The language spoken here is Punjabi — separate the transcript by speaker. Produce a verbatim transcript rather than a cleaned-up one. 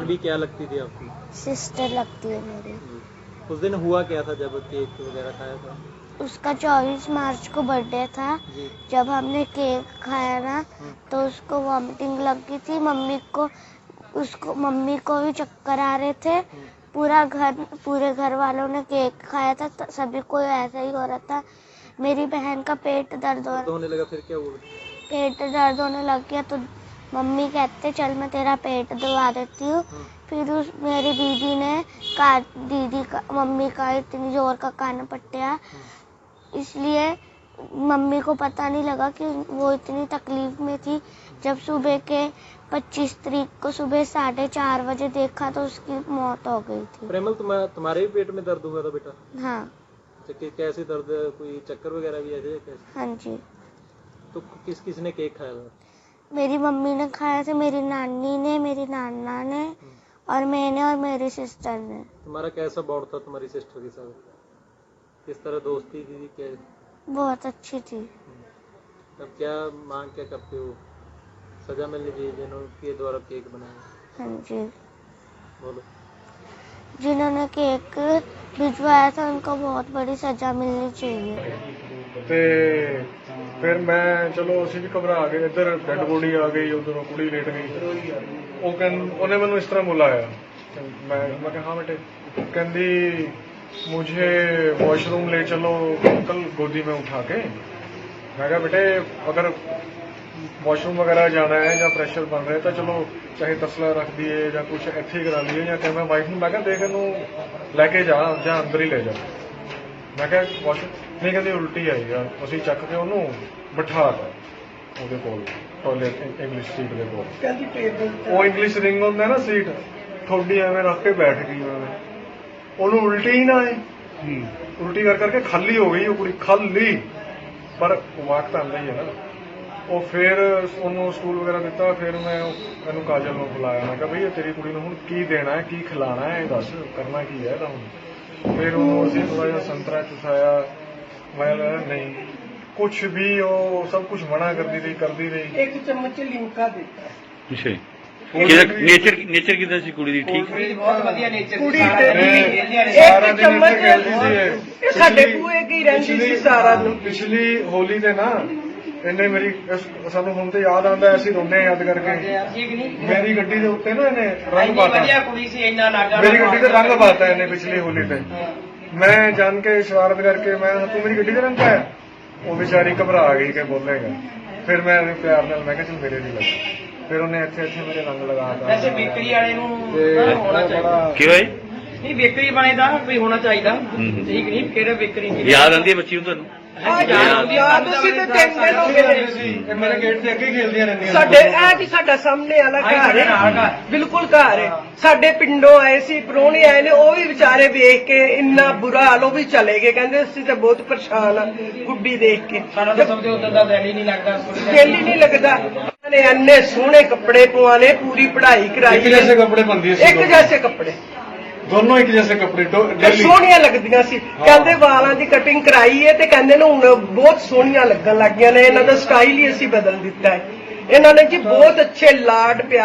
Speaker 1: भी क्या लगती थी आपकी?
Speaker 2: सिस्टर लगती है मेरी।
Speaker 1: उस दिन हुआ क्या था जब केक वगैरह खाया था?
Speaker 2: उसका चौबीस मार्च को बर्थडे था।
Speaker 1: जी।
Speaker 2: जब हमने केक खाया ना तो उसको वॉमिटिंग लग गई थी। मम्मी को उसको मम्मी को भी चक्कर आ रहे थे। पूरा घर पूरे घर वालों ने केक खाया था तो सभी को ऐसा ही हो रहा था। मेरी बहन का पेट दर्द हो
Speaker 1: होने लगा, फिर क्या हुआ?
Speaker 2: पेट दर्द होने लग गया तो मम्मी कहते चल मैं तेरा पेट दबा देती हूँ। फिर उस मेरी दीदी ने का दीदी का मम्मी का इतनी जोर का कान पट्टिया, इसलिए मम्मी को पता नहीं लगा कि वो इतनी तकलीफ में थी। जब सुबह के पच्चीस तारीख को सुबह साढ़े चार बजे देखा तो उसकी मौत हो गई थी।
Speaker 1: प्रेमल, तुम्हारा तुम्हारे भी पेट में दर्द हुआ था बेटा?
Speaker 2: हाँ।
Speaker 1: कैसे दर्द? कोई चक्कर वगैरह भी ऐसे कैसे?
Speaker 2: हाँ जी।
Speaker 1: तो किस किस ने केक खाया था?
Speaker 2: मेरी मम्मी ने खाया था, मेरी नानी ने, मेरी नाना ने और मैंने और मेरी सिस्टर ने।
Speaker 1: तुम्हारा कैसा बॉन्ड था तुम्हारी सिस्टर के साथ? किस तरह दोस्ती थी? क्या?
Speaker 2: बहुत अच्छी थी।
Speaker 1: अब क्या मांग क्या करते हो? सजा मिलनी चाहिए जिन्होंने द्वारा केक बनाया?
Speaker 2: हाँ जी।
Speaker 1: बोलो।
Speaker 2: जिन्होंने केक भिजवाया था उनको बहुत बड़ी सजा मिलनी चाहिए।
Speaker 3: ਤੇ ਫਿਰ ਮੈਂ ਚਲੋ ਅਸੀਂ ਵੀ ਘਬਰਾ ਗਏ। ਇੱਧਰ ਡੈਡ ਬੋਡੀ ਆ ਗਈ, ਉਧਰੋਂ ਕੁੜੀ ਲੇਟ ਗਈ। ਉਹ ਕਹਿੰ ਉਹਨੇ ਮੈਨੂੰ ਇਸ ਤਰ੍ਹਾਂ ਬੁਲਾਇਆ। ਮੈਂ ਮੈਂ ਕਿਹਾ ਹਾਂ ਬੇਟੇ। ਕਹਿੰਦੀ मुझे वॉशरूम ले चलो अंकल गोदी में उठा के। मैं कहा बेटे अगर वॉशरूम वगैरह जाना है या प्रेशर बन रहा है तो चलो चाहे तसला रख दिए या कुछ इत्थे करा लिए या क्या। मैं वाइफ ਨੂੰ ਮੈਂ ਕਿਹਾ ਦੇਖ ਇਹਨੂੰ ਲੈ ਕੇ ਜਾ ਜਾਂ ਅੰਦਰ ਹੀ ਲੈ ਜਾ। ਮੈਂ ਕਿਹਾ ਵਾਸ਼ਰੂਮ ਨਹੀਂ, ਕਹਿੰਦੀ ਉਲਟੀ ਆਈ ਆ। ਅਸੀਂ ਚੱਕ ਕੇ ਉਹਨੂੰ ਬਿਠਾ ਦਿੱਤਾ ਉਹਦੇ ਕੋਲ ਟਾਇਲਟ ਇੰਗਲਿਸ਼ ਸੀਟ ਦੇ ਕੋਲ। ਕਹਿੰਦੀ ਟੇਬਲ ਉਹ ਇੰਗਲਿਸ਼ ਰਿੰਗ ਹੁੰਦਾ ਨਾ ਸੀਟ, ਥੋੜੀ ਐਵੇਂ ਰੱਖ ਕੇ ਬੈਠ ਗਈ ਉਹਨੇ। ਉਹਨੂੰ ਉਲਟੀ ਹੀ ਨਾ ਆਏ, ਉਲਟੀ ਕਰ ਕਰਕੇ ਖਾਲੀ ਹੋ ਗਈ ਉਹ ਕੁੜੀ, ਖਾਲੀ। ਪਰ ਵਾਕ ਤਾਂ ਆਉਂਦਾ ਹੀ ਹੈ ਨਾ। ਉਹ ਫਿਰ ਉਹਨੂੰ ਸਕੂਲ ਵਗੈਰਾ ਦਿੱਤਾ। ਫਿਰ ਮੈਂ ਇਹਨੂੰ ਕਾਜਲ ਨੂੰ ਬੁਲਾਇਆ। ਮੈਂ ਕਿਹਾ ਬਈ ਤੇਰੀ ਕੁੜੀ ਨੂੰ ਹੁਣ ਕੀ ਦੇਣਾ ਹੈ, ਕੀ ਖਿਲਾਣਾ ਹੈ, ਦੱਸ ਕਰਨਾ ਕੀ ਹੈ ਇਹਦਾ ਹੁਣ। ਫਿਰ ਉਹਨੂੰ ਅਸੀਂ ਥੋੜਾ ਜਿਹਾ ਸੰਤਰਾ ਚੁਸਾਇਆ। ਮੈਂ ਨਹੀਂ ਕੁਛ ਵੀ, ਉਹ ਸਭ ਕੁਛ ਮਨਾ ਕਰਦੀ ਰਹੀ ਕਰਦੀ ਰਹੀ। ਇੱਕ ਚਮਚ ਲਿਮਕਾ ਦਿੱਤਾ।
Speaker 4: ਅੱਛਾ। ਨੇਚਰ ਨੇਚਰ ਕਿਦਾਂ ਸੀ ਕੁੜੀ ਦੀ? ਠੀਕ
Speaker 5: ਬਹੁਤ ਵਧੀਆ ਨੇਚਰ ਸੀ।
Speaker 3: ਕੁੜੀ ਸਾਰਾ ਦਿਨ ਇੱਥੇ ਖੇਡਦੀ ਸੀ।
Speaker 5: ਸਾਡੇ ਬੂਏ ਕੀ ਰਹਿੰਦੀ ਸੀ ਸਾਰਾ ਦਿਨ।
Speaker 3: ਪਿਛਲੀ ਹੋਲੀ ਤੇ ਨਾ ਇਹਨੇ ਮੇਰੀ ਸਾਨੂੰ ਹੁਣ ਤੇ ਯਾਦ ਆਉਂਦਾ, ਅਸੀਂ ਰੋਂਦੇ ਯਾਦ ਕਰਕੇ। ਮੇਰੀ ਗੱਡੀ ਦੇ ਉੱਤੇ ਨਾ ਇਹਨੇ ਰੰਗ ਪਾਤਾ।
Speaker 5: ਵਧੀਆ ਕੁੜੀ ਸੀ, ਇੰਨਾ ਨਾਗਾ।
Speaker 3: ਮੇਰੀ ਗੱਡੀ ਤੇ ਰੰਗ ਪਾਤਾ ਇਹਨੇ ਪਿਛਲੀ ਹੋਲੀ ਤੇ। ਮੈਂ ਜਾਣ ਕੇ ਸ਼ਰਾਰਤ ਕਰਕੇ ਮੈਂ ਤੂੰ ਮੇਰੀ ਗੱਡੀ ਤੇ ਰੰਗ ਪਾਇਆ। ਉਹ ਵਿਚਾਰੀ ਘਬਰਾ ਗਈ ਕਿ ਬੋਲੇਗਾ। ਫਿਰ ਮੈਂ ਇਹਨੂੰ ਪਿਆਰ ਨਾਲ ਮੈਂ ਕਿਹਾ ਚਲ ਮੇਰੇ ਵੀ ਲੱਗ। ਫਿਰ ਉਹਨੇ ਇੱਥੇ ਇੱਥੇ ਮੇਰੇ ਰੰਗ ਲਗਾਤਾ।
Speaker 5: ਵੈਸੇ ਬੇਕਰੀ ਵਾਲੇ ਨੂੰ ਹੋਣਾ ਚਾਹੀਦਾ।
Speaker 4: ਕਿਉਂ ਹੈ?
Speaker 5: ਨਹੀਂ ਬੇਕਰੀ ਵਾਲੇ ਦਾ ਕੋਈ ਹੋਣਾ ਚਾਹੀਦਾ। ਠੀਕ ਨਹੀਂ, ਕਿਹੜਾ ਬੇਕਰੀ
Speaker 4: ਯਾਦ ਆਉਂਦੀ ਹੈ ਬੱਚੀ ਨੂੰ ਤੁਹਾਨੂੰ?
Speaker 5: ਯਾਦ ਤੁਸੀਂ ਤੇ ਤਿੰਨ ਦਿਨ ਹੋ ਗਏ
Speaker 3: ਸੀ। ਮੇਰੇ ਗੇਟ ਤੇ ਅੱਗੇ ਖੇਲਦੀਆਂ ਰਹਿੰਦੀਆਂ।
Speaker 5: ਸਾਡੇ ਇਹ ਜੀ ਸਾਡਾ ਸਾਹਮਣੇ ਵਾਲਾ ਘਰ ਹੈ, ਬਿਲਕੁਲ ਘਰ ਹੈ। ਸਾਡੇ ਪਿੰਡੋਂ ਆਏ ਸੀ, ਪ੍ਰਾਹੁਣੇ ਆਏ ਨੇ, ਉਹ ਵੀ ਵਿਚਾਰੇ ਵੇਖ ਕੇ ਇੰਨਾ ਬੁਰਾ ਹਾਲ, ਉਹ ਵੀ ਚਲੇ ਗਏ। ਕਹਿੰਦੇ ਅਸੀਂ ਤਾਂ ਬਹੁਤ ਪਰੇਸ਼ਾਨ ਆ ਗੁੱਡੀ ਦੇਖ ਕੇ। ਸਾਡਾ ਤਾਂ ਸਭ ਤੋਂ ਉਦੋਂ ਦਾ ਦਿਲ ਹੀ ਨਹੀਂ ਲੱਗਦਾ, ਦਿਲ ਹੀ ਨਹੀਂ ਲੱਗਦਾ। ਨੇ ਇੰਨੇ ਸੋਹਣੇ ਕੱਪੜੇ ਪਵਾਣੇ, ਪੂਰੀ ਪੜ੍ਹਾਈ ਕਰਾਈ।
Speaker 3: ਇੱਕ ਜੈਸੇ ਕੱਪੜੇ ਪਾਉਂਦੀ ਸੀ,
Speaker 5: ਇੱਕ ਜੈਸੇ ਕੱਪੜੇ
Speaker 3: ਦੋਨੋਂ ਇੱਕ ਜੈਸੇ ਕੱਪੜੇ
Speaker 5: ਸੋਹਣੀਆਂ ਲੱਗਦੀਆਂ ਸੀ। ਕਹਿੰਦੇ ਵਾਲਾਂ ਦੀ ਕਟਿੰਗ ਕਰਾਈ ਹੈ ਤੇ ਕਹਿੰਦੇ ਨੇ ਹੁਣ ਬਹੁਤ ਸੋਹਣੀਆਂ ਲੱਗਣ ਲੱਗ ਗਈਆਂ ਨੇ। ਇਹਨਾਂ ਦਾ ਸਟਾਈਲ ਹੀ ਅਸੀਂ ਬਦਲ ਦਿੱਤਾ ਹੈ। ਇਹਨਾਂ ਨੇ ਜੀ ਬਹੁਤ ਅੱਛੇ ਲਾਡ ਪਿਆਰ